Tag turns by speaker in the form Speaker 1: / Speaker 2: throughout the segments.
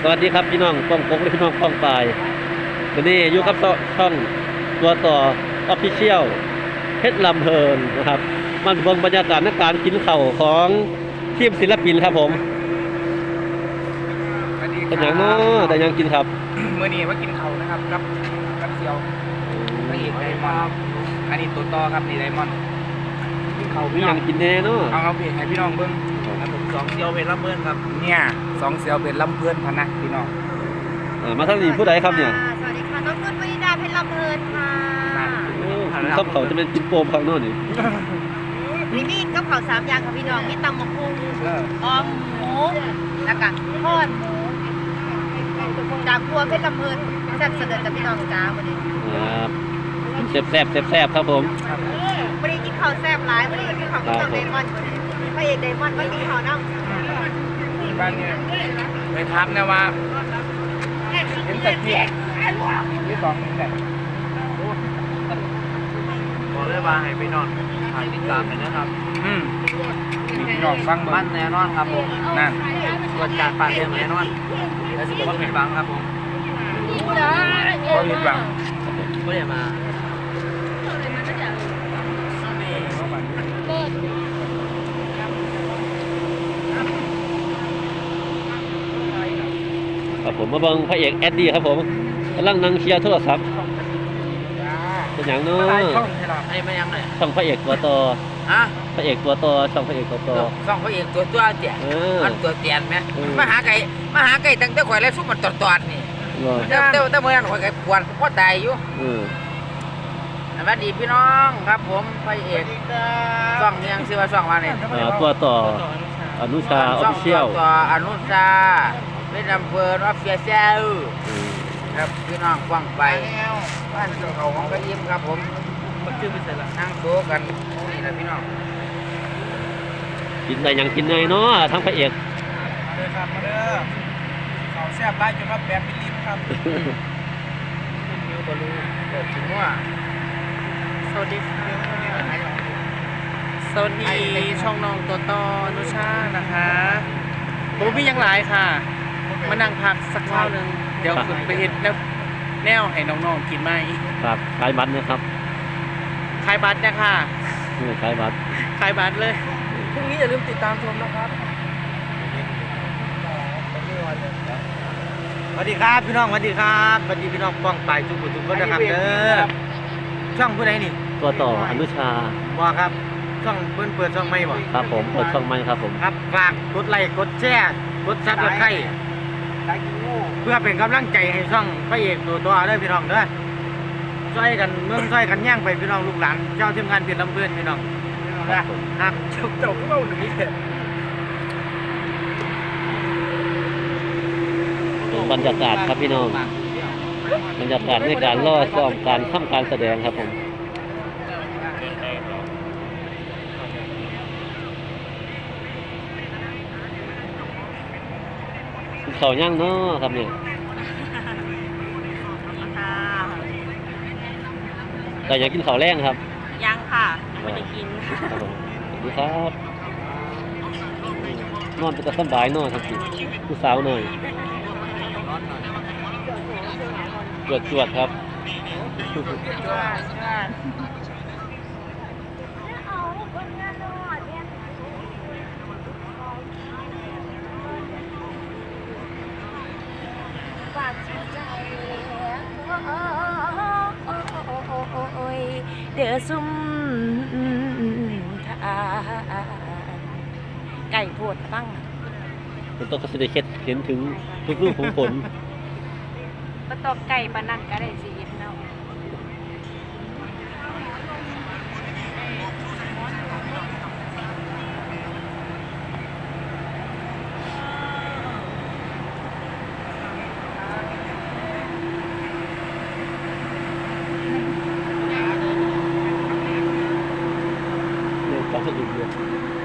Speaker 1: วัสดีครับพี่น้องป้องปกและพี่น้องป้องปลายวันนี้อยู่กับช่องตัวต่อออฟฟิเชียลเพชรลำเพลินนะครับมันเบิ่งบรรยากาศในการกินข้าวของทีมศิลปินครับผมเป็นอย่างน้อแต่ยังกินครับ
Speaker 2: เมื่อนี้มากินเขานะครับกับเซียวพระเอกไดมอนด์อันนี้ตัวต่อครับนี่ไดมอนด์กินเขา
Speaker 1: มี
Speaker 2: พี่
Speaker 1: อ
Speaker 2: น้อย่าง
Speaker 1: กินแน่เนาะ
Speaker 2: เอาเพจให้พี่น้องเบิ้ง
Speaker 3: ครับผมสองเซียวเป็นรับเพื่อนครับ
Speaker 2: เนี่ยสองเซียวเป็นลำเพื่อนพะนะพี่น้อง
Speaker 1: มาทางนี้ผู้ใดครับเนี่ย
Speaker 4: สวัสดีค่ะน้องนุ่นวนิดาเพชรลำเพลินค่ะ
Speaker 1: ข้าวเขาจะเป็นกินโปมข้างนอกนี่
Speaker 4: มีกับข้าวสามอย่างค่ะพี่น้องมีตำมะพุงออมหมูแล้วก็ทอดหมูจากครัวเพชรลำเพลินแซ่บเสด็จกับพี่น้องจ้าวันนี้
Speaker 1: ครับแซ่บครับผม
Speaker 4: วันนี้กินข้าวแซ่บหลายวันนี้กินข้าวกับไดมอนด์พระเอกไดมอนด์วันนี้ข้าวน้ำ
Speaker 2: บ้านเนี่ยไปทักนะว่าเห็นแต่เกียร์ที่สองแต่
Speaker 3: บอกเลยว่าให้พี่น้องทานติดตามเลยนะครับ
Speaker 2: พี่น้องฟัง
Speaker 3: มั
Speaker 2: มัน น
Speaker 3: แน่นอนครับผม
Speaker 2: นั่น
Speaker 3: ตรวจจัดปากเรื่องแน่นอนและสิ่งที่ผิดหวังครับผม
Speaker 2: ก็มีหวัง
Speaker 3: ก็ได้มา
Speaker 1: ครับผมมาเบิ่งพระเอกแอดดี้ครับผมกำลังนั่งเคลียร์โทรศัพท์เป็นอย่างน้อ
Speaker 2: ช่องใช่หรอ
Speaker 3: ให้มายังหน่อย
Speaker 1: ช่องพระเอกตัวต่อ
Speaker 3: อ่ะ
Speaker 1: พระเอกตัวต่อช่องพระเอกตัวต่อ
Speaker 3: สองพระเอกตัวเตี่ย
Speaker 1: เออ
Speaker 3: มันตัวเตียนไหม
Speaker 1: เออ
Speaker 3: มาหาไก่ตั้งแต่ข่อยแล้วซุปมันตอดนี่
Speaker 1: เหรอ
Speaker 3: แต่เมื่อนั้นข่อยก็ปวดก็ตายอยู่
Speaker 1: เออ
Speaker 3: สวัสดีพี่น้องครับผมพระเอกช่องยังชื่อว่าช่องว่าเนี่ย
Speaker 1: ตัวต่ออนุชาออฟฟิเชียล
Speaker 3: ต่ออนุชาเป็นอำเภอออฟฟิเชียลครับพี่น้องฟังไปบ้านเขาของกระยิ้มครับผมนั่งโต๊ะกันนี่แหละพี่น้อง
Speaker 1: กินได้ยังกินได้เนาะทั้งพระเอก
Speaker 2: มาเลยครับมาเลยเขาแซ่บไล่จนว่าแบบเป็นลิ้นครับ
Speaker 3: มิวบอลูเกิดถึงว่า
Speaker 5: สวัสดีค่ะสวัสดีช่องน้องตัวต่อนุชานะคะผมพี่ยังหลายค่ะ มานั่งพักสักคราวหนึ่งเดี๋ยวขึ้นไปเห็ดแนวให้น้องๆกินไหม
Speaker 1: ครับขายบัตรนะครับ
Speaker 5: ขายบัตรนะคะ
Speaker 1: ขายบัตร
Speaker 5: ขายบัตรเลย
Speaker 2: พรุ่งนี้อย่าลืมติดตามชมนะครับสวัสดีครับพี่น้องสวัสดีครับสวัสดีพี่น้องป้องไปทุกคนนะครับเด้อช่องผู้ใดนี่
Speaker 1: ตัวต่ออนุชา
Speaker 2: บอกครับช่องเปิดช่องไม่บอก
Speaker 1: ครับผมเปิดช่องใหม่ครับผม
Speaker 2: ครับฝากกดไลค์กดแชร์กดซับสไครต์เพื่อเป็นกำลังใจให้ช่องพระเอกตัวเด้อพี่น้องเด้อช่วยกันเมืองช่วยกันย่างไปพี่น้องลูกหลานเจ้าทีมงานเปลี่ยนลำเพื่อนพี่น้องนะครับเจ้าก็เอาหนึ่งนี้เถอะ
Speaker 1: บรรยากาศครับพี่น้องบรรยากาศในการล่อซ้อมการทำการแสดงครับผมเขาย่างเนาะครับเนี่ย
Speaker 4: ค่ะ
Speaker 1: แต่อยากกินข้าวแรงครับ
Speaker 4: ยังค่ะไม่ได้กิน
Speaker 1: ครับผมสวัสดีครับนอนจะสบายนอนครับพี่ผู้สาวหน่อยจวดครับ
Speaker 4: ฝากใจเดือซุ่มทานไก่โพดตั้ง
Speaker 1: มันต้องกระสิเดเคสเห็นถึงทุกรูปของผล
Speaker 4: ปะตอกไก่ปะนันก็ได้สิเนาะ
Speaker 1: เนี่ยความสนุกเยอะ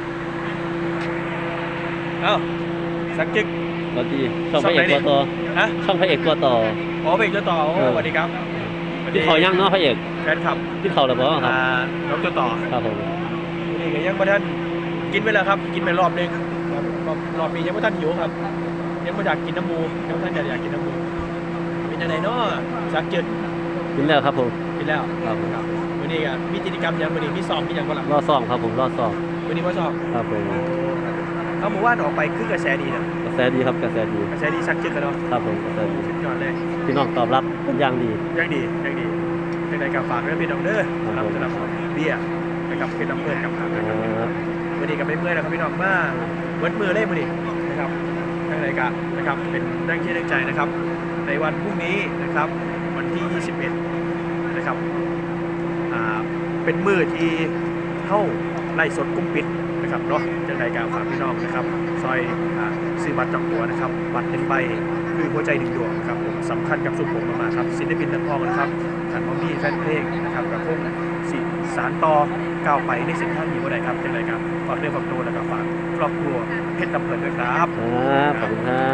Speaker 2: เอ้าสักจึก
Speaker 1: สวัสดีช่องพระเอกตัวต่อ
Speaker 2: ฮะ
Speaker 1: ช่องพระเอกตัวต่อ
Speaker 2: ขอเบรกจะต่อสวัสดีครับ
Speaker 1: ที่เขาย่างเนาะพระเอก
Speaker 2: แฟนคลับ
Speaker 1: ที่เขาหรือเปล่าครับ
Speaker 2: น้องจะต่อ
Speaker 1: ครับผม
Speaker 2: นี่ก็ยังไม่ทันกินไปแล้วครับ กินไปรอบนึงรอบนี้ยังไม่ทันหิวครับ
Speaker 6: ยังไม่อยากกินน้ำมูยังท่านอยากกินน้ำมูเป็นยังไงเนาะสักจุด
Speaker 1: กินแล้วครับผม
Speaker 6: กินแล้ว
Speaker 1: ครับผม
Speaker 6: ครับวันนี้ก็มีกิจกรรมยังวันนี้มีซ้อมมีอย่างบ้าง
Speaker 1: รอซ่องครับผมรอซ่อง
Speaker 6: วันนี้ว่าซ้อม
Speaker 1: ครับผม
Speaker 6: เอาหมู่บ้านออกไปคือกระแสดีนะ
Speaker 1: กระแสดีครับกระแสดี
Speaker 6: กระแสดีสักจุดกันเนาะ
Speaker 1: ครับผมกระแสดี
Speaker 6: สุดยอดเลย
Speaker 1: พี่น้องตอบรับเป็นอย่างดี
Speaker 6: ยังดียังไงกับฝากเรื่องพี่น้องเด้อครับสำหรับเบี้ยนะครับเป็นน้ำเพื่อนกับทางนะครับวันนี้ก็ไม่เมื่อยนะครับพี่น้องมาเวิร์ดมือเล่วันนี้นะครับทางรายการนะครับเป็นแรงเชื่อแรงใจนะครับในวันพรุ่งนี้นะครับวันที่ 21นะครับเป็นมือที่เข้าไล่สดกุ้งปิดนะครับเนาะจะรายการฝากพี่น้องนะครับซอยซื้อบัตรจองตัวนะครับบัตร1ใบคือหัวใจ1ดวงครับผมสำคัญกับสุขผมมากๆครับศิลปินนักร้องนะครับขันมอมี่แฟนเพลงนะครับกระพงสารต่อก้าวไปในเส้นทางนี้ว่าใดครับจะรายการฝากเรื่องฝากตัวแล้วก็ฝากครอบครัวเพชรลำเพลินด้วยครับ
Speaker 1: ครับขอบคุณครับ